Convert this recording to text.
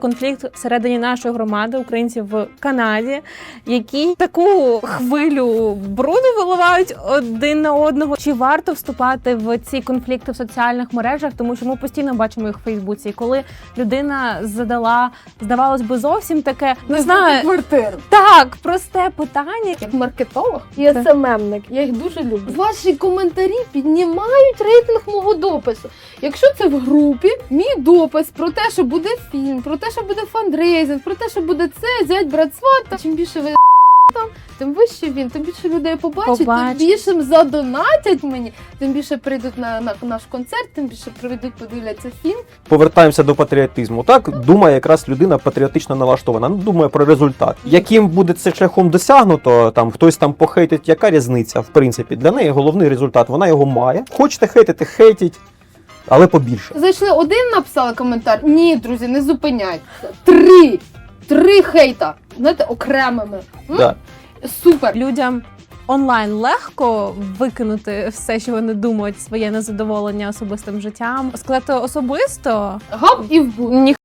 Конфлікт всередині нашої громади, українців в Канаді, які таку хвилю бруду виливають один на одного. Чи варто вступати в ці конфлікти в соціальних мережах? Тому що ми постійно бачимо їх в Фейсбуці. І коли людина задала, здавалось би, зовсім таке, не знаю, квартиру. так, просте питання. Як маркетолог І СММник, я їх дуже люблю. ваші коментарі піднімають рейтинг мого допису. Якщо це в групі, мій допис про те, що буде фільм, про те, що буде фандрейзинг, про те, що буде це, зять, брат, сват, чим більше ви там, тим вище він, тим більше людей побачить, тим більше задонатять мені, тим більше прийдуть на наш концерт, тим більше прийдуть, подивляться фільм. Повертаємося до патріотизму. Так думає якраз людина патріотично налаштована. Ну, думає про результат. Яким буде це шляхом досягнуто, там хтось там похейтить, яка різниця? В принципі, для неї головний результат. Вона його має. Хочете хейтити, хейтіть, але побільше. Зайшли один, написали коментар. Ні, друзі, не зупиняйтеся. Три хейта. Знаєте, окремими. Да. Супер. Людям онлайн легко викинути все, що вони думають, своє незадоволення особистим життям. Сказати особисто Гап і в бут. ніхто